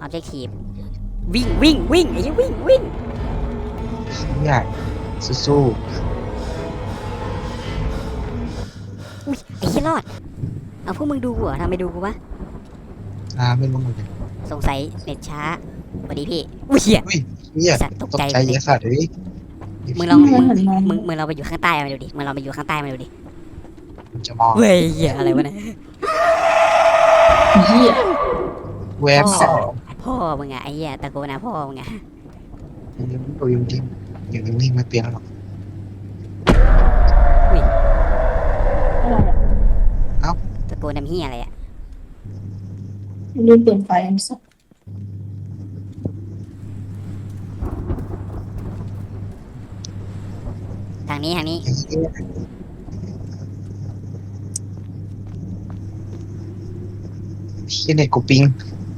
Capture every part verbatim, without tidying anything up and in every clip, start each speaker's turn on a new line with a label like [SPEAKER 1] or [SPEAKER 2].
[SPEAKER 1] objective วิ่งวิ่งวิ่งไอ้เหี้ยวิ่งวิ่ง
[SPEAKER 2] เนี่ยสู้
[SPEAKER 1] อุ้ยไอ้เหี้ยรอดเอาพวกมึงดูกูเหรอทำไมดูกูวะ
[SPEAKER 2] ๆอ่าไม่รู้เหมือนกัน
[SPEAKER 1] สงสัยเน็ตช้าสวัสดีพี่อุ้ยเหี้ย
[SPEAKER 2] อุ้ยเนี่ย
[SPEAKER 1] สัตว์ตก
[SPEAKER 2] ตก
[SPEAKER 1] ใจ
[SPEAKER 2] ใจเยอะสัตว์เลย
[SPEAKER 1] มึงลอง
[SPEAKER 3] ไม่
[SPEAKER 1] มึง
[SPEAKER 3] เห็นมอง
[SPEAKER 1] มึงมึงเราไปอยู่ข้างใต้มาดูดิมึงเราไปอยู่ข้างใต้มาดูดิ
[SPEAKER 2] มันจะมอง
[SPEAKER 1] เว้ยเหี้ยอะไรวะเนี่ย
[SPEAKER 3] เหี้ย
[SPEAKER 2] แวบสอง
[SPEAKER 1] พ่อมึงอะไอ้เหี้ยตะโกนนะพ่อมึงอะ
[SPEAKER 2] ยังตัวยังทิ้งอย่างนิ่งๆไม่เปลี่ยนหรอก
[SPEAKER 3] อะไรอ่ะ
[SPEAKER 1] ตะโกนน้ำเหี้ยอะไรอะ
[SPEAKER 3] ลืมเปิดไฟอันสัก
[SPEAKER 1] ทางนี้ทางนี้
[SPEAKER 2] ไอ้เหี้ยที่เน็ตกูปิง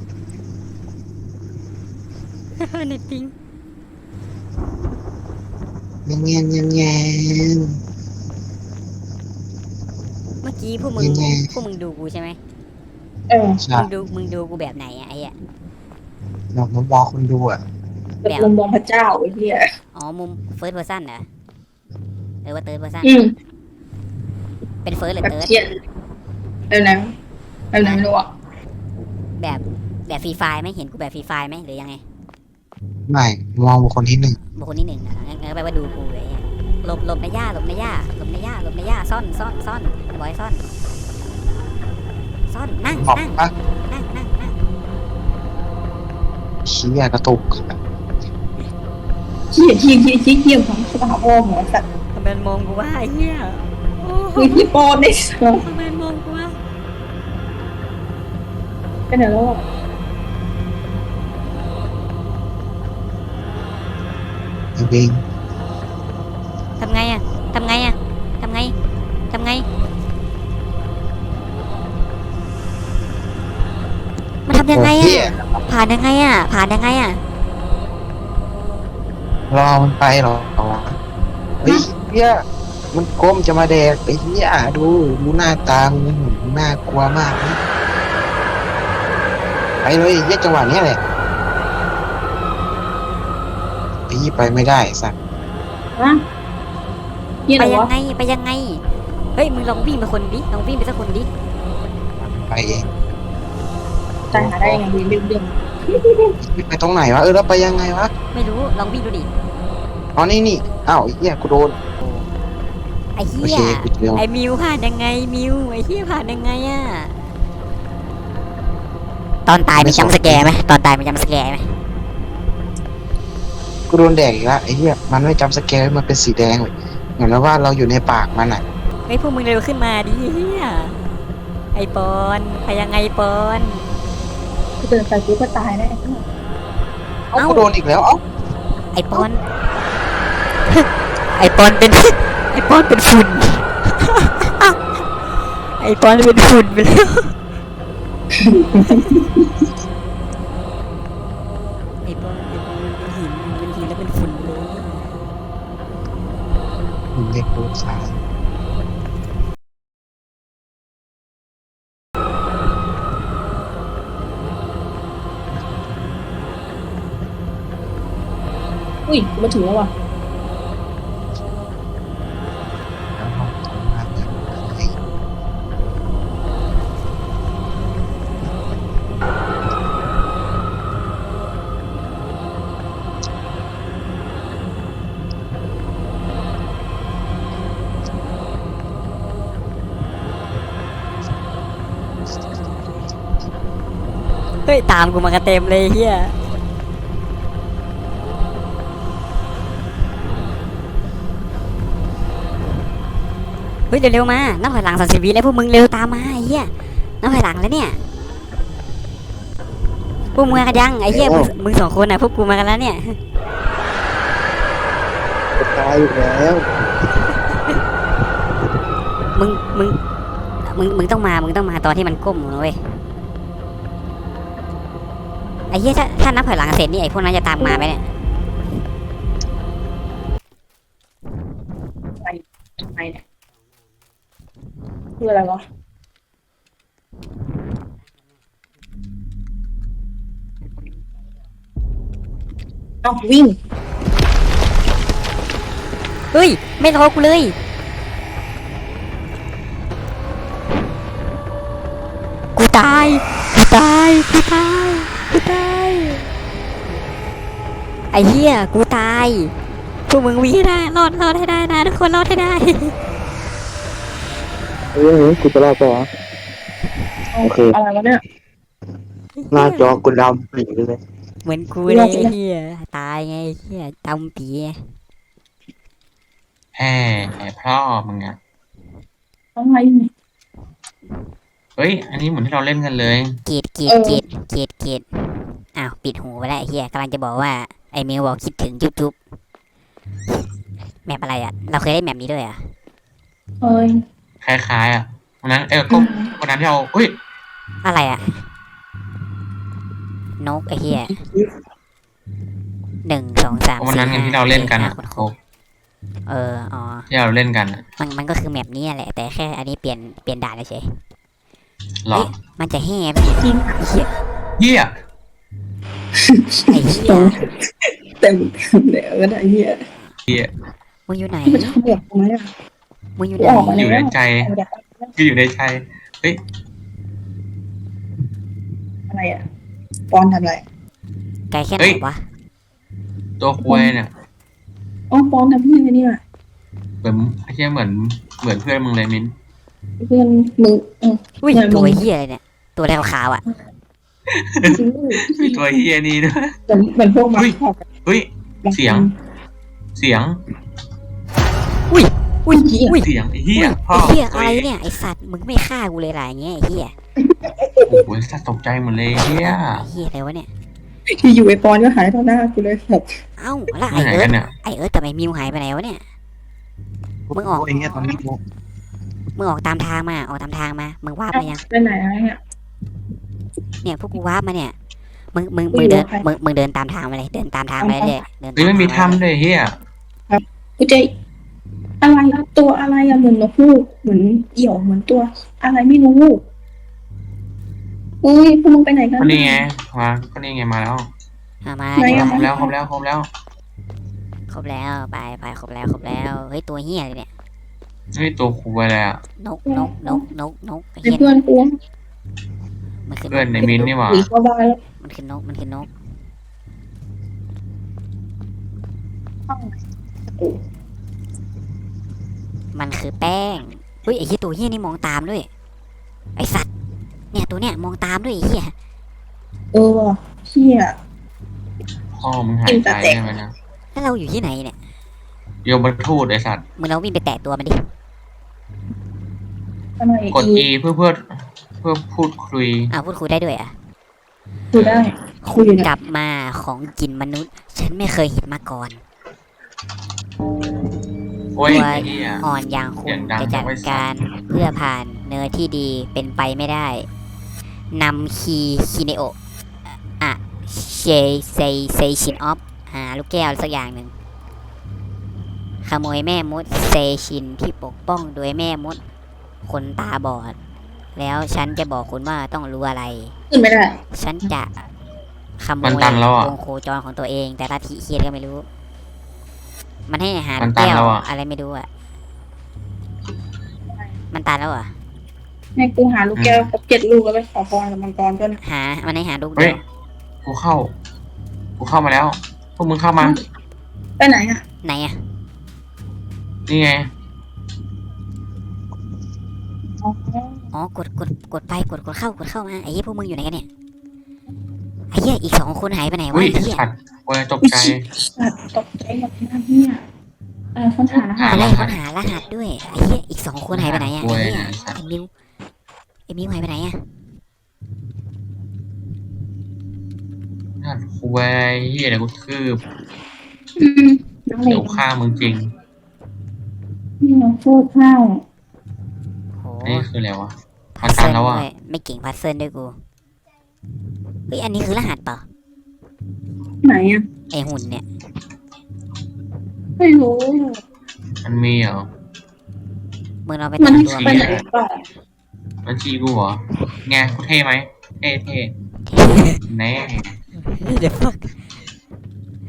[SPEAKER 1] เน็ตปิง
[SPEAKER 2] เงี้ยเงี้ยเงี้ยเงี้ย
[SPEAKER 1] เมื่อกี้พวกมึง
[SPEAKER 2] ยังไง
[SPEAKER 1] พวกมึงดูกูใช่ไหม
[SPEAKER 3] เออ
[SPEAKER 2] ใช่
[SPEAKER 1] มึงดูมึงดูกูแบบไหนอะไอ้เหี้ย
[SPEAKER 2] เรามามองคนดูอ่ะ
[SPEAKER 3] แบบมุมมองพระเจ้าไอ้เหี้ย
[SPEAKER 1] อ๋อมุม first person เหรอเออว่า third person
[SPEAKER 3] อืม
[SPEAKER 1] เป็น first หรือ
[SPEAKER 3] แบบ
[SPEAKER 1] third
[SPEAKER 3] เทียนเออนะเออนะไม่รู้อ่ะ
[SPEAKER 1] แบบแบบฟรีไฟล์ไหมเห็นกูแบบฟรีไฟล์ไหมหรือยังไง
[SPEAKER 2] ไม่มองบุคคลที่หนึ่ง
[SPEAKER 1] บุคคลที่หนึ่งนะงั้นงั้นแปลว่าดูกูเลยอะหลบหลบในหญ้าหลบในหญ้าหลบในหญ้าหลบในหญ้าซ่อนซ่อนซ่อนบอยซ่อนซ่อนนั่ง
[SPEAKER 2] บอก
[SPEAKER 1] นั่ง
[SPEAKER 2] ปะ
[SPEAKER 1] นั่งนั่งนั่ง
[SPEAKER 2] เชี้ยกระตุก
[SPEAKER 3] เหี้ยเหี้ยเหี้ยเหี้ยเหี้ยของสถาพ่อหมอสัตว์
[SPEAKER 1] ทำไมมองกูว่าไอ้เหี้ยโอ้
[SPEAKER 3] คือที่ปอนได้สัส
[SPEAKER 1] ทำไมมองกูว่า
[SPEAKER 3] เป็นไหนแล้วอ่ะ
[SPEAKER 2] เอง
[SPEAKER 1] ทำไงอะทำไงอะทำไงทำไงมันทำยังไง
[SPEAKER 2] เหี้ย
[SPEAKER 1] อะผ่านยังไงอะผ่านยังไงอะ
[SPEAKER 2] รอมันไปหรอเฮ้ยเฮียมันก้มจะมาแดกไอ้เหี้ยดูดูหน้าตามึงน่ากลัวมากนะไปเลยเหี้ยจังหวะเนี้ยแหละไอ้ยี่ไปไม่ได้สัตว์
[SPEAKER 3] ฮะเหี้ย
[SPEAKER 1] ไป
[SPEAKER 3] อะไร
[SPEAKER 1] ยัง
[SPEAKER 3] วะ
[SPEAKER 1] ไงไปยังไงเฮ้ยมึงลองวิ่งไปคนดิลองวิ่งไปสักคนดิ
[SPEAKER 2] ไปเอง
[SPEAKER 3] ใจหาได้ยังไงเรื่องเรื่อง
[SPEAKER 2] ไปตรงไหนวะเออแล้วไปยังไงวะ
[SPEAKER 1] ไม่รู้ลองวิ่งดูดิ
[SPEAKER 2] อ๋อนี่นี่อ้าวไอ้เหี้ยกูโดน
[SPEAKER 1] ไอ้
[SPEAKER 2] โอ
[SPEAKER 1] เหี้
[SPEAKER 2] เค
[SPEAKER 1] ย
[SPEAKER 2] กูเจอ
[SPEAKER 1] ไอ้มิวผ่านยังไงมิวไอ้เหี้ยผ่านยังไงอะตอนตายมีจำสแกร์ไหมตอนตายมีจำสแกร์ไหม
[SPEAKER 2] กูโดนแดกอีกแล้วไอ้เหี้ยมันไม่จำสแกนมันเป็นสีแดงเลยเหมือนว่าเราอยู่ในปากมันอ่ะ
[SPEAKER 1] ไอ้ยพวกมึงเร็วขึ้นมาดิเหี้ยไอ้ปอนไปยังไงปอน
[SPEAKER 3] กูเดินไปกูก็ตายแล้ว
[SPEAKER 2] เอ้ากูโดนอีกแล้วเอ้า
[SPEAKER 1] ไอ้ปอน ไอ้ปอนเป็น ไอ้ปอนเป็นฝุ่น ไอ้ปอนเป็นฝุ่นไปแล้ว ไอ้ปอนไอ้ปอนเป็นหินเป็นหินแล้วเป็นฝุ่นไปเลย
[SPEAKER 2] ผมเด็กโดนสาย
[SPEAKER 3] อุ้ยกูมาถึงแล้วว่ะ
[SPEAKER 2] แล้วห้องทำงานเนี่ยไอ้
[SPEAKER 1] เฮ้ยตามกูมากันเต็มเลยเฮียเฮ้ยเร็วๆมานับถอยหลังสามสิบวิแล้วพวกมึงเร็วตามมาไอ้เฮียนับถอยหลังแล้วเนี่ยพวกมึงมากันยังไอ้เฮียมึงมึงสองคนน่ะพวกกูมากันแล้วเนี่ย
[SPEAKER 2] จะตายอยู่แล้ว
[SPEAKER 1] มึงมึงมึงมึงต้องมามึงต้องมาตอนที่มันก้มนะเว้ยไอ้เหี้ยถ้าถ้านับถอยหลังเสร็จนี่ไอ้พวกนั้นจะตามมาไหมเนี่ย
[SPEAKER 3] ไปทำไมเนี่ยคืออะไรวะเอาวิ่ง
[SPEAKER 1] เฮ้ยไม่รอกูเลยกูตายกูตายกูตายกูตายไอ้เหี้ยกูตายพวกมึงวิ่งให้ได้รอดรอดให้ได้นะทุกคนรอดให้ได้
[SPEAKER 2] เฮ้ยกูจะรอดปะวะ โอเค
[SPEAKER 3] อะไรวะเนี่ย
[SPEAKER 2] หน้าจอกูดำปีเลย
[SPEAKER 1] เหมือนกูเลยไอ้เฮียตายไงไอ้เฮียจำปีไง
[SPEAKER 4] แห่แห่พ่อมึงอะ
[SPEAKER 3] อะไรเนี่ย
[SPEAKER 4] เฮ้ย อันนี้เหมือนที่เราเล่นกันเลย
[SPEAKER 1] กรีดกรีดกรีดกรีดกรีดอ้าวปิดหูไปแล้วไอ้เฮียกำลังจะบอกว่าไอ้มิวบอกคิดถึงจุ๊บจุ๊บแมปอะไรอ่ะเราเคยได้แมปนี้ด้วยอ่ะ
[SPEAKER 3] เอ้ย
[SPEAKER 4] คล้ายๆอ่ะวันนั้นเออก็วันนั้นที่เราเฮ้ย
[SPEAKER 1] อะไรอ่ะนกไอ้เฮียหนึ่งสองสาม
[SPEAKER 4] วัน
[SPEAKER 1] สี่
[SPEAKER 4] นั้นไง
[SPEAKER 1] ห้า
[SPEAKER 4] ที่เราเล่นกัน
[SPEAKER 1] จ็ด
[SPEAKER 4] อะ
[SPEAKER 1] ห้า
[SPEAKER 4] โอ้
[SPEAKER 1] เอออ๋อ
[SPEAKER 4] ที่เราเล่นกันอะ
[SPEAKER 1] มันมันก็คือแมปนี้แหละแต่แค่อันนี้เปลี่ยนเปลี่ยนด่านเฉย
[SPEAKER 4] หรอ
[SPEAKER 1] มันจะแห่ไปอีก
[SPEAKER 3] จริง
[SPEAKER 1] ไอ้เฮีย
[SPEAKER 4] เฮีย
[SPEAKER 1] ไอ้เฮีย
[SPEAKER 3] เต็มเดี๋ยวก็ได้เหี้ย
[SPEAKER 4] เฮีย
[SPEAKER 1] มึงอยู่ไหน
[SPEAKER 3] ที่มันชอบแบบไหมอ่ะ
[SPEAKER 1] มึงอยู่
[SPEAKER 3] กู
[SPEAKER 1] ไหน
[SPEAKER 3] ออกมา
[SPEAKER 4] อ
[SPEAKER 3] แล้
[SPEAKER 4] ยู่
[SPEAKER 3] ว
[SPEAKER 4] ในใจคืออยู่ในใจเฮ้ย
[SPEAKER 3] อะไรอ่ะปอนทำอะไร
[SPEAKER 1] ไกลแค่ไหนวะ
[SPEAKER 4] ตัวควยเนี่ย
[SPEAKER 3] อ๋อปอนทำเพื่อนไอ้นี่ว่ะ
[SPEAKER 4] เหมือนไอ้เฮียเหมือนเหมือนเพื่อนมึงเลยมิ้น
[SPEAKER 3] เพื่อนมึงเออ
[SPEAKER 1] อุ้ย
[SPEAKER 3] เนี่ยมึง
[SPEAKER 1] ตัวเฮียอะไรเนี่ยตัวแดงขาวๆอ่ะ
[SPEAKER 3] จริง
[SPEAKER 4] มีตัวเฮียนี่ด้วย
[SPEAKER 3] ๆเหมือนเหมือนพวกมาขอบ
[SPEAKER 4] เฮ้ย เสียง เสียง
[SPEAKER 1] อุ้ย
[SPEAKER 3] อุ้ยเหี้ย
[SPEAKER 1] อุ้ย
[SPEAKER 4] เสียงไอ้เฮี
[SPEAKER 1] อุ้
[SPEAKER 4] ย
[SPEAKER 1] ย
[SPEAKER 4] พ่อ
[SPEAKER 1] ไอ้เฮียอะไรเนี่ยไอสัตว์มึงไม่ฆ่ากูเลยล่ะอย่างเงี้ยไอ้เฮีย
[SPEAKER 4] โอ้โหสัตว์ตกใจหมดเลยเฮีย
[SPEAKER 1] ไอ้เฮียอะไรวะเนี่ย
[SPEAKER 3] ที่อยู่ไอ้ปอนก็หายต่อหน้ากูเลยแบบ
[SPEAKER 1] เอ้าแล้วไอ
[SPEAKER 4] ที่ไหน
[SPEAKER 1] เอิ
[SPEAKER 4] กั
[SPEAKER 1] ร์ธ
[SPEAKER 4] นเนี่ย
[SPEAKER 1] ไอเอิร์ธกับไอมิวหายไปไหนวะเนี่ย มึงออก
[SPEAKER 2] ไอ้เงี้ยตอนนี้กู
[SPEAKER 1] มึงออกตามทางมาออกตามทางมามึงวาร์ปมายัง
[SPEAKER 3] ไปไหนอะไรเนี่ย
[SPEAKER 1] เนี่ยพวกกูวาร์ปมาเนี่ยมึงมึงมึงเดินมึงมึงเดินตามทางมาเลยเดินตามทางมาเรื่อยๆเดิน
[SPEAKER 4] เฮ้ย
[SPEAKER 1] ตาม
[SPEAKER 4] ไม่มี
[SPEAKER 1] ทาง
[SPEAKER 4] ถ้ำเลยเฮีย
[SPEAKER 3] กูจะอะไรอะตัวอะไรอะเหมือนนกฮูกเหมือนเหี่ยวเหมือนตัว อะไรไม่รู้อุ้ยพวกมึงไปไหนกัน
[SPEAKER 4] ก็นี่ไงมาก็นี่ไงมาแล้ว
[SPEAKER 1] เอามา
[SPEAKER 3] ไหน
[SPEAKER 1] เดี๋ยว
[SPEAKER 3] อะ
[SPEAKER 4] ครบแล้วครบแล้วครบแล้ว
[SPEAKER 1] ครบแล้วไปไปครบแล้วครบแล้วเฮ้ยตัวเฮียเลยเนี่ย
[SPEAKER 4] เฮ้ยตัวควยอะไรอ่ะ
[SPEAKER 1] นกนกนกนกนกไอ้
[SPEAKER 3] เป็น
[SPEAKER 1] เฮีย
[SPEAKER 3] เพื่อนกู
[SPEAKER 1] มันคือน
[SPEAKER 4] เพื่อน
[SPEAKER 1] ก
[SPEAKER 4] ในมินนี่หว่า
[SPEAKER 3] หนีเข้าบ้านแล้ว
[SPEAKER 1] มันคือนกมันคือนก มันคือแป้งเฮ้ยไอ้เหี้ยตัวเหี้ยนี่มองตามด้วย ไอ้สัตว์ เนี่ยตัวเนี้ยมองตามด้วยไอ้เหี้ย
[SPEAKER 3] เออว่ะเชี่ย
[SPEAKER 4] พ่อมึงหายใจใช่ไหมนะ
[SPEAKER 1] แล้วเราอยู่ที่ไหนเนี่ย
[SPEAKER 4] โยมบรรทูดไอสัตว์
[SPEAKER 1] มึงเราวิ่งไปแตะตัวมันดิ
[SPEAKER 3] ทำไม
[SPEAKER 4] กด E เพื่อเพื่อเพื่อพูดคุย
[SPEAKER 1] อ้าวพูดคุยได้ด้วยอ่ะ
[SPEAKER 3] คุยได้คุยอยู่
[SPEAKER 1] ก
[SPEAKER 3] เนี่ย
[SPEAKER 1] ลับมาของกินมนุษย์ ฉันไม่เคยเห็นมาก่อน
[SPEAKER 4] โอ้ย
[SPEAKER 1] ตัว
[SPEAKER 4] ไอ้เหี้ย
[SPEAKER 1] อ่อนอย่างคุ
[SPEAKER 4] เสี
[SPEAKER 1] ณ
[SPEAKER 4] ยงดัง
[SPEAKER 1] จะจัด
[SPEAKER 4] ไว้สัตว์
[SPEAKER 1] การเพื่อผ่านเนื้อที่ดีเป็นไปไม่ได้นำคีคิเนโอะอะเชเซเซชินออฟหาลูกแก้วสักอย่างหนึ่งขโมยแม่มดเซชินที่ปกป้องโดยแม่มดคนตาบอด แล้วฉันจะบอกคุณว่าต้องรู้อะไร
[SPEAKER 3] ขึ้นไม่ได้
[SPEAKER 1] ฉันจะขโม
[SPEAKER 4] มัน
[SPEAKER 1] ย
[SPEAKER 4] ตันแล้วอะ
[SPEAKER 1] วงโคจรของตัวเอง แต่ลัทธิเคียนก็ไม่รู้ มันให้หา
[SPEAKER 4] มั
[SPEAKER 1] ลู
[SPEAKER 4] น
[SPEAKER 1] ก
[SPEAKER 4] ตัน
[SPEAKER 1] แก้ว
[SPEAKER 4] แล้วอะ
[SPEAKER 1] อะไรไม่รู้อ่ะ มันตันแล้วเหรอ่ะ
[SPEAKER 3] ให้กูหาลูกแก้วครบเจ็ดลูกแล้วไปขอพรกับมังกรก็นะ
[SPEAKER 1] หา มันให้หาลูก
[SPEAKER 4] เฮ้
[SPEAKER 1] เดี
[SPEAKER 4] ย
[SPEAKER 1] ยว
[SPEAKER 4] กูเข้า กูเข้ามาแล้ว พวกมึงเข้ามา
[SPEAKER 3] ไปไหนอ่ะ
[SPEAKER 1] ไหนอ่ะ
[SPEAKER 4] นี่ไง
[SPEAKER 3] อ๋อ
[SPEAKER 1] อ๋อกดกดกดไปกดกดเข้ากดเข้ามาไอ้เหี้ยพวกมึงอยู่ไหนกันเนี่ยไอ้เหี้ยอีกสองคนหายไปไหนวะ
[SPEAKER 4] อุ้ย
[SPEAKER 1] ไอ้เหี้ย
[SPEAKER 4] สัตว์โอ้ยตกใจ
[SPEAKER 3] สัตว์ตกใจหมดหน้าเนี่ยเออค้นหารหัส
[SPEAKER 1] อะไร
[SPEAKER 4] รหัส
[SPEAKER 1] ค้นหารหัสด้วยไอ้เหี้ยอีกสองคนหายไปไหนอ่ะ
[SPEAKER 4] โอ้
[SPEAKER 1] ไอ้
[SPEAKER 4] ย
[SPEAKER 1] เหี้ย
[SPEAKER 4] สัตว์
[SPEAKER 1] ไอ้มิวไอ้มิวหายไปไหนอ่ะ
[SPEAKER 4] น่าคุยเฮียเดี๋ยวกูคืบ
[SPEAKER 3] อืมน้องเล็
[SPEAKER 4] เดี๋ยว
[SPEAKER 3] ก
[SPEAKER 4] ฆ่ามึงจริง
[SPEAKER 3] นี่น้องโฟดข้าว
[SPEAKER 1] โห
[SPEAKER 4] นี่คืออะไรวะ
[SPEAKER 1] พั
[SPEAKER 4] มัน
[SPEAKER 1] ซ
[SPEAKER 4] ตั
[SPEAKER 1] เซิ
[SPEAKER 4] น
[SPEAKER 1] ล
[SPEAKER 4] แล้วอ่ะ
[SPEAKER 1] ด้วยไม่เก่งพัซเซิลด้วยกูเฮ้ยอันนี้คือรหัสเปล่า
[SPEAKER 3] ไหนอ่ะ
[SPEAKER 1] ไอหุ่นเนี่ย
[SPEAKER 3] ไม่รู้
[SPEAKER 4] มันมีเหรอ
[SPEAKER 1] มึงเราไป
[SPEAKER 3] มัน
[SPEAKER 1] ตาม
[SPEAKER 3] ให้
[SPEAKER 1] ตัว
[SPEAKER 3] ไป
[SPEAKER 1] มัน
[SPEAKER 3] ไหนเปล่า
[SPEAKER 4] มันจีกูเหรอไงกูเท่ไหมเท่เท่แน่
[SPEAKER 1] เดี๋ยวฟัก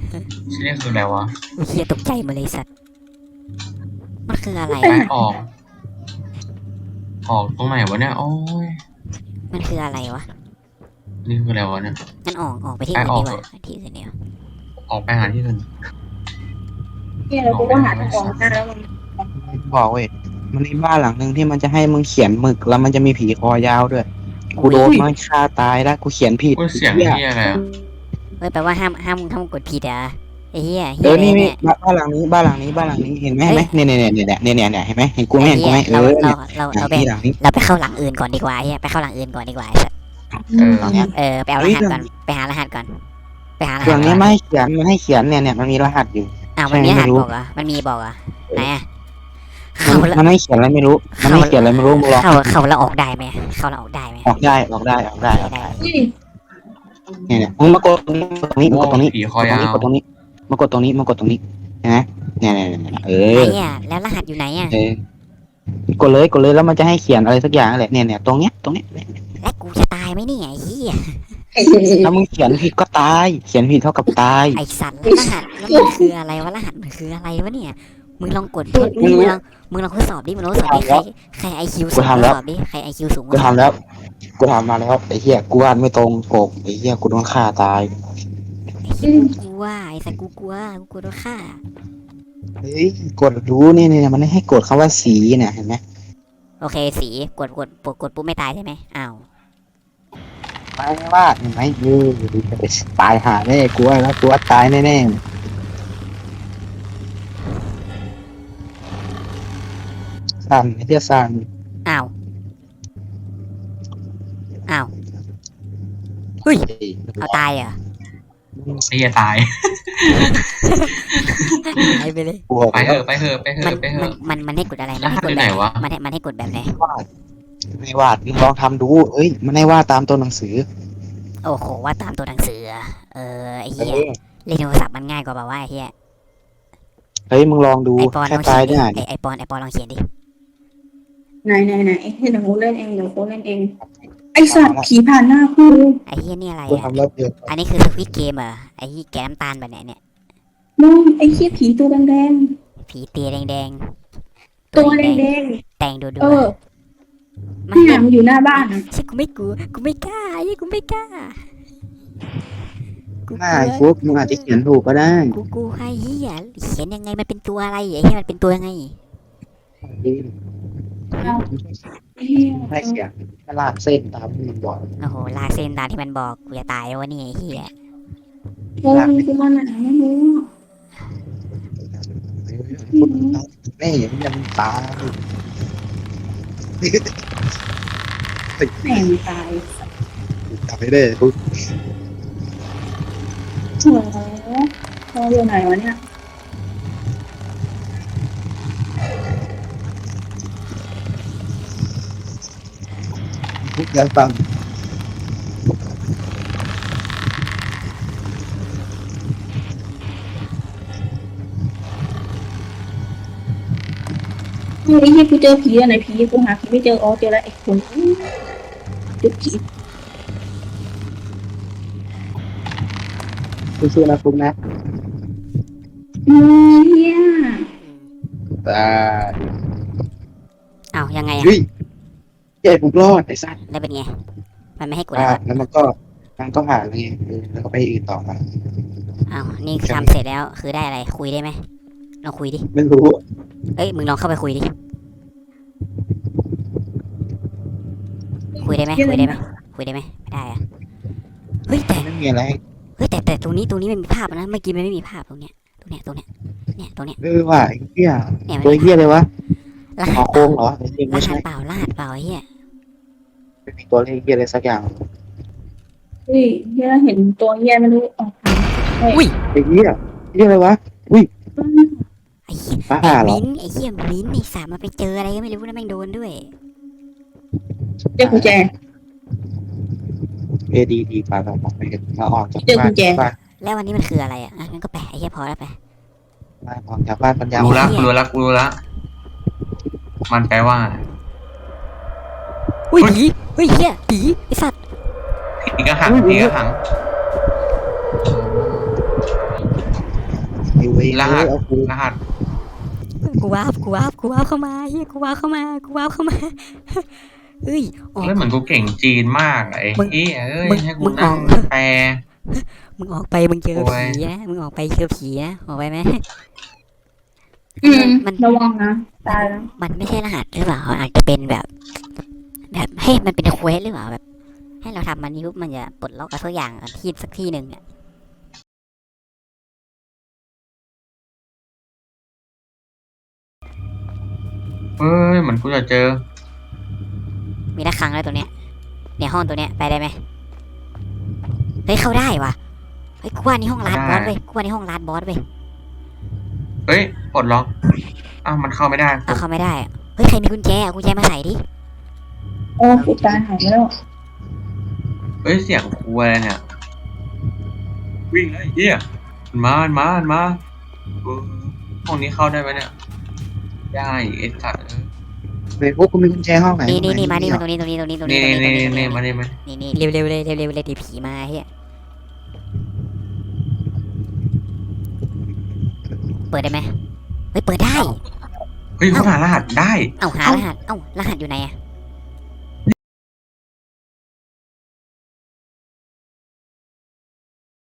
[SPEAKER 4] ที่นี่คืออะไรวะ
[SPEAKER 1] อุ้ยเฮียตกใจหมาเลยสัตว์มันคืออะไร
[SPEAKER 4] ไป
[SPEAKER 1] วะ
[SPEAKER 4] ออก ออกตรงไหนวะเนี่ยโอ้ย
[SPEAKER 1] มันคืออะไรวะ
[SPEAKER 4] นี่คืออะไรวะเนี่ย
[SPEAKER 1] งั้นออกออกไปที่
[SPEAKER 4] ไป
[SPEAKER 1] อื่น
[SPEAKER 4] ออก
[SPEAKER 1] ดีกว่าที่อื่นเดียว
[SPEAKER 4] ออกไปหาที่อื่น
[SPEAKER 3] เนี่ยเราก็หาทางออกได้แล้วมัน
[SPEAKER 2] บอกเว้ยมันมีบ้านหลังหนึ่งที่มันจะให้มึงเขียนหมึกแล้วมันจะมีผีคอยาวด้วยกูโดนมันฆ่าตายแล้วกูเขียนผิด
[SPEAKER 4] กูเสียง
[SPEAKER 2] หี้
[SPEAKER 4] ที่อะไรอะ
[SPEAKER 1] เฮ้ยแปลว่าห้ามห้ามห้ามกดผิดอ่ะไอ้เหี้ย
[SPEAKER 2] เอ
[SPEAKER 1] เหี้ย
[SPEAKER 2] อ
[SPEAKER 1] อะไร
[SPEAKER 2] นี่นี่
[SPEAKER 1] เนี่ย
[SPEAKER 2] บ้านหลังนี้บ้านหลังนี้บ้านหลังนี้เห็นไหมเห็นไหมเนี่ยเนี่ยเนี่ยเนี่ยเนี่ยเนี่ยเห็นไหมเห็นกูไหม
[SPEAKER 1] ไอ้
[SPEAKER 2] เห็นกู
[SPEAKER 1] เหี้
[SPEAKER 2] ไหม
[SPEAKER 1] ย
[SPEAKER 2] เอ
[SPEAKER 1] เรา
[SPEAKER 2] อ
[SPEAKER 1] เรา
[SPEAKER 2] เนี่ย
[SPEAKER 1] เรา
[SPEAKER 2] หลั
[SPEAKER 1] เรา
[SPEAKER 2] ง
[SPEAKER 1] ไป
[SPEAKER 2] นี้หลังนี้
[SPEAKER 1] เราไปเข้าหลังอื่นก่อนดีกว่าไอ้เหี้ยไปเข้าหลังอื่นก่อนดีกว่าไอ้สัส
[SPEAKER 4] เออ
[SPEAKER 2] หลังเนี้ย
[SPEAKER 1] เออไปเอารหัสก่อนไปหารหัสก่อนไปหารหัส
[SPEAKER 2] หลัง
[SPEAKER 1] ก่
[SPEAKER 2] นี้
[SPEAKER 1] อน
[SPEAKER 2] ไม่ให้เขียนมันให้เขียนเนี่ยเนี่ยมันมีรหัสอยู่
[SPEAKER 1] อ้าวมันมีรหัส
[SPEAKER 2] ไม่รู้
[SPEAKER 1] บอกเหรอ่ะมันมีบอกเหรอ่ะไหนอ่ะ
[SPEAKER 2] มั
[SPEAKER 1] เข้าน แล้ว
[SPEAKER 2] มันให้เขียนอะไรไม่รู้ มันให้เขียนอะไรไม่รู้มึงลอง
[SPEAKER 1] เข้าเข้าแล้วออกได้ไหมเข้าแล้วออกได้ไหม
[SPEAKER 2] ออกได้ออกได้ออกได้
[SPEAKER 1] ได้
[SPEAKER 2] ออก
[SPEAKER 1] ได้
[SPEAKER 2] ได้
[SPEAKER 3] อุ้ย
[SPEAKER 2] เนี่ยเนี่ยมึงมากดตรงนี้มากดตรงนี้
[SPEAKER 4] ผีคอยาว
[SPEAKER 2] กดตรงนี้มากดตรงนี้มากดตรงนี้เห็นไหมเนี่ยเนี่ยเนี่ยเอ
[SPEAKER 1] ไหน
[SPEAKER 2] อ
[SPEAKER 1] อ่ะแล้วรหัสอยู่ไหนอ่ะ
[SPEAKER 2] เออกดเลยกดเลยแล้วมันจะให้เขียนอะไรสักอย่างแหละเนี่ยเนี่ยตรงเนี้ยตรงเนี้ย
[SPEAKER 1] และกูจะตายไหมเนี่ยไอ้เหี้ย
[SPEAKER 2] ถ้ามึงเขียนผิดก็ตาย เขียนผิดเท่ากับตาย
[SPEAKER 1] ไอ้สัตว์แล้วรหัสแล้วมันคืออะไรวะรหัสมันคืออะไรวะเนี่ยมึงลองกดทด
[SPEAKER 2] ไม่รู้
[SPEAKER 1] มึงลองมึงลองทดสอบดิมึงลองทดสอบดิใครใครไอคิวสูง
[SPEAKER 2] กูทำแล้ว
[SPEAKER 1] ทดสอบดิใครไอคิวสูง
[SPEAKER 2] กูทำแล้ว กูทำมาแล้วไอ้เหี้ยกูอ่านไม่ตรงปกไอ้เหี้ยกูโดนฆ่าตาย
[SPEAKER 1] ไอ้เหี้ยกูกลัวไอ้สัตว์กูกลัวกูกลัวโดนฆ่า
[SPEAKER 2] เฮ้ยกดรู้นี่เนี่ยมันให้กดคำว่าสีเนี่ยเห็นไหม
[SPEAKER 1] โอเคสีกดกดกดกดปุ๊บไม่ตายใช่ไหมอ้าว
[SPEAKER 2] ตายไม่ว่าเห็นไหมเออตายหาแน่กูว่าแล้วกูว่าตายแน่ๆสั่นไอ้เหี้ยสั่น
[SPEAKER 1] อ้าวอ้าวเฮ้ยเอาตายเหรอ
[SPEAKER 4] ไอ้เหี้ยตาย
[SPEAKER 1] ตายไปเลย
[SPEAKER 2] บวก
[SPEAKER 4] ไปเถอะไปเถอะไปเถ
[SPEAKER 1] มัน
[SPEAKER 4] อะไปเถ
[SPEAKER 1] มัน
[SPEAKER 4] อะ
[SPEAKER 1] มันมันให้กดอะไรมันให้กด
[SPEAKER 4] รหัสอยู่
[SPEAKER 1] แบ
[SPEAKER 4] ไหน
[SPEAKER 1] บ
[SPEAKER 4] วะ
[SPEAKER 1] มันให้มันให้กดแบบไหน
[SPEAKER 2] วาดไม่วาดมึงลองทำดูเอ้ยมันให้วาดตามตัวหนังสือ
[SPEAKER 1] โอ้โหว่าตามตัวหนังสืออะเออไอ้
[SPEAKER 2] เอ
[SPEAKER 1] เหี้ย
[SPEAKER 2] อ
[SPEAKER 1] เล่นโทรศัพท์มันง่ายกว่าแบบว่าไอ้เหี้ย
[SPEAKER 2] เฮ้ยมึงลองดู
[SPEAKER 1] ไอปอนล
[SPEAKER 2] แค่
[SPEAKER 1] อง
[SPEAKER 2] ตา
[SPEAKER 1] เขี
[SPEAKER 2] ย
[SPEAKER 1] ยนดิ
[SPEAKER 2] เนี่ย
[SPEAKER 1] ไอไอปอนไอปอนลองเขียนดิ
[SPEAKER 3] ไหนไหนไหนเดี๋ยวกูเล่นเองเดี๋ยวกูเล่นเอง ไอสัตว์ผีผ่านหน้ากู
[SPEAKER 1] ไอเหี้ยนี่อะไร
[SPEAKER 2] กู
[SPEAKER 1] อ่ะ
[SPEAKER 2] ทำแล้วเดือด
[SPEAKER 1] อันนี้คือสควิตเกมเหรอไอเหี้ยแกน้ำตาลแบบไหนเนี่ย
[SPEAKER 3] มึงไอเหี้ยผีตัวแดง
[SPEAKER 1] ผีเตียแดง
[SPEAKER 3] ๆตัวแดง
[SPEAKER 1] ๆแดงดูดู
[SPEAKER 3] ๆเออ
[SPEAKER 1] ไม่
[SPEAKER 3] เนี่ยมันอยู่หน้าบ้านอะ
[SPEAKER 1] ใช่กูไม่กลัวกูไม่กล้าไอ้เหี้ยกูไม่กล้ากู
[SPEAKER 2] หน้าไอ้ฟุกมึงอาจจะเขียนถูกก็ได้
[SPEAKER 1] กูกูไอ้เหี้ยเขียนยังไงมันเป็นตัวอะไรไอ้เหี้ยมันเป็นตัวยังไง
[SPEAKER 3] เอาไอ้เหี้ย
[SPEAKER 2] ให้เขียนแค่ลากเส้นตามที่มึงบอก
[SPEAKER 1] โอ้โหลากเส้นตามที่มันบอกกูจะตายแล้ววะเนี่ยไอ้เหี้ย
[SPEAKER 3] เออกูมาไหนไม่รู้
[SPEAKER 2] แม่ยังยังตาย
[SPEAKER 3] แม่งตาย
[SPEAKER 2] ตายได้ฟุก
[SPEAKER 3] โอ้โหเราอยู่ไหนวะเนี่ย
[SPEAKER 2] ฟุกยังตัง
[SPEAKER 3] เฮ้ยไอ้เหี้ยกูเจอผีอะไหนผีกูหาผีไม่เจออ๋อเจอแล้วไอ้คนเจอผี
[SPEAKER 2] สู้ๆนะฟุกนะ
[SPEAKER 3] อืมเหี้ย
[SPEAKER 2] ตาย
[SPEAKER 1] อ้าวยังไงอะ
[SPEAKER 2] เฮ้ยใหญ่ฟุกรอดไอ้สัตว์
[SPEAKER 1] แล้วเป็นไงมันไม่ให้กด
[SPEAKER 2] อ่า
[SPEAKER 1] แล้ว
[SPEAKER 2] แล้วมันก็มันก็ผ่านเลยแล้วก็ไปอื่นต่อมา
[SPEAKER 1] อ้าวนี่คือทำเสร็จแล้วคือได้อะไรคุยได้ไหมลองคุยดิ
[SPEAKER 2] ไม่รู้
[SPEAKER 1] เอ้ยมึงลองเข้าไปคุยดิคุยได้ไหมคุยได้ไหมคุยได้ไหมไม่ได้อะเฮ้ยแต่
[SPEAKER 2] ไม่มีอะไร
[SPEAKER 1] เฮ้ยแต่แต่ตรงนี้ตรงนี้มันมีภาพนะเมื่อกี้มันไม่มีภาพตรงเนี้ยตรงเนี้ยตรงเนี้ยเนี่ยตรงเนี้ย
[SPEAKER 2] เออว่ะไอ้เหี้ย
[SPEAKER 1] เนี่ยมัน
[SPEAKER 2] ตัวเหี้ยเลยวะ
[SPEAKER 1] ร
[SPEAKER 2] ห
[SPEAKER 1] หั
[SPEAKER 2] อ
[SPEAKER 1] ส
[SPEAKER 2] โค้งเหรอไอ้เหี้ย
[SPEAKER 1] ร
[SPEAKER 2] ไม่
[SPEAKER 1] หั
[SPEAKER 2] ใช่
[SPEAKER 1] สเปล่ารหัสเปล่าไอ้เฮีย
[SPEAKER 2] ไม่มีตัวเลขเหี้ยอะไรสักอย่าง
[SPEAKER 3] เฮ้ยเหี้ยเห็นตัวเหี้ยไม่รู้ออกทาง
[SPEAKER 1] อุ้ย
[SPEAKER 2] ไอ้เหี้ยเหี้ยอะไรวะ
[SPEAKER 1] ไอ้เหี้ย
[SPEAKER 2] บ้า
[SPEAKER 1] ไอ้
[SPEAKER 2] เหรอ
[SPEAKER 1] มิ้นท์ไอ้เหี้ยมิ้นท์ไอ้สามมาไปเจออะไรก็ไม่รู้นะแม่งโดนด้วย
[SPEAKER 3] เจอกุญแจ
[SPEAKER 2] เอดีดีปาเราออกไปกันมาออกจาก
[SPEAKER 3] เจอ
[SPEAKER 2] บ้า
[SPEAKER 3] กุ
[SPEAKER 2] น
[SPEAKER 3] ญแจ
[SPEAKER 2] บ้าน
[SPEAKER 1] แล้ววันนี้มันคืออะไรอ่ะอ่ะงั้นก็แปะไอ้เหี้ยพอแล้วไป
[SPEAKER 2] บ้านออกจากบ้านปัญญา
[SPEAKER 4] รู้ละกูรู้ละกูรู้ละมันแปลว่า
[SPEAKER 1] อุ้ยผีเฮ้ยเหี้ยผีไอ้สัตว์
[SPEAKER 4] ผีกระหังผีกระหัง
[SPEAKER 2] เว้ย
[SPEAKER 4] ร
[SPEAKER 2] เอ
[SPEAKER 4] หั
[SPEAKER 2] อ
[SPEAKER 4] ส
[SPEAKER 2] เอากู
[SPEAKER 4] รหัส
[SPEAKER 1] กูวาบกูวาบกูวาบเข้ามาเฮียกูวาบเข้ามากูวาบเข้ามาเฮ้ยออก
[SPEAKER 4] เฮ้ยเหมือนกูเก่งจีนมากไอ้
[SPEAKER 1] มึง
[SPEAKER 4] เหี้ยเอ้ย
[SPEAKER 1] มึง
[SPEAKER 4] ให้กู
[SPEAKER 1] มึง
[SPEAKER 4] นั่ง
[SPEAKER 1] ออก
[SPEAKER 4] แปล
[SPEAKER 1] มึงออกไปมึงเจอ
[SPEAKER 4] โอ้ย
[SPEAKER 1] ผีนะมึงออกไปเจอผีนะออกไปไหม
[SPEAKER 3] อืม
[SPEAKER 1] มัน
[SPEAKER 3] ระวังนะตายแล้ว
[SPEAKER 1] มันไม่ใช่รหัสหรือเปล่าอาจจะเป็นแบบ แบบให้มันเป็นเควสหรือเปล่าแบบ ให้เราทำมันนี้ปุ๊บมันจะปลดล็อกอะไรสักอย่างที่สักที่หนึ่งอ่ะ
[SPEAKER 4] เฮ้ยเหมือนกูจะเจอ
[SPEAKER 1] มีระฆังแล้วตัวเนี้ยในห้องตัวเนี้ยไปได้ไหมเฮ้ยเข้าได้ว่ะเฮ้ยกูว่านี่ห้องลาดบอสเว้ยกูว่านี่ห้องลาดบอสเว้ย
[SPEAKER 4] เฮ้ยปลดล็อกอ้าวมันเข้าไม่ได้
[SPEAKER 1] เอาเข้าไม่ได้อะเฮ้ยใครมีกุญแจเอากุญแจมาใส่ดิ
[SPEAKER 3] โอ้กูตายหายไปแล้ว
[SPEAKER 4] เฮ้ยเสียงครูอะไรเนี่ยวิ่งเลยไอ้เหี้ยมันมามันมามันมาเออห้องนี้เข้าได้ไหมเนี่ยได้ไอ้สัตว์เออ
[SPEAKER 2] เว้ยพวกกูมีกุญแจห้องไหน
[SPEAKER 1] นี่นี่นี่มานี่
[SPEAKER 2] ห้
[SPEAKER 1] มา
[SPEAKER 2] อง
[SPEAKER 1] ต
[SPEAKER 2] ไห
[SPEAKER 1] รงนี้ตรงนี้ตรงนี้ตรง
[SPEAKER 4] นี่
[SPEAKER 1] นี้ตรง
[SPEAKER 4] นี่
[SPEAKER 1] นี้ตรง
[SPEAKER 4] นี่
[SPEAKER 1] นี้
[SPEAKER 4] นี่มานี่มา
[SPEAKER 1] นี่นี่เร็วเร็วเลยเร็วเร็วเลยเดี๋ยวผีมาเฮียเปิดได้ไหมเฮ้ยเปิดได้
[SPEAKER 4] เฮ้ยเขาหารหัสได้
[SPEAKER 1] เอ้าหารหัสเอ้ารหัสอยู่ไหนอะ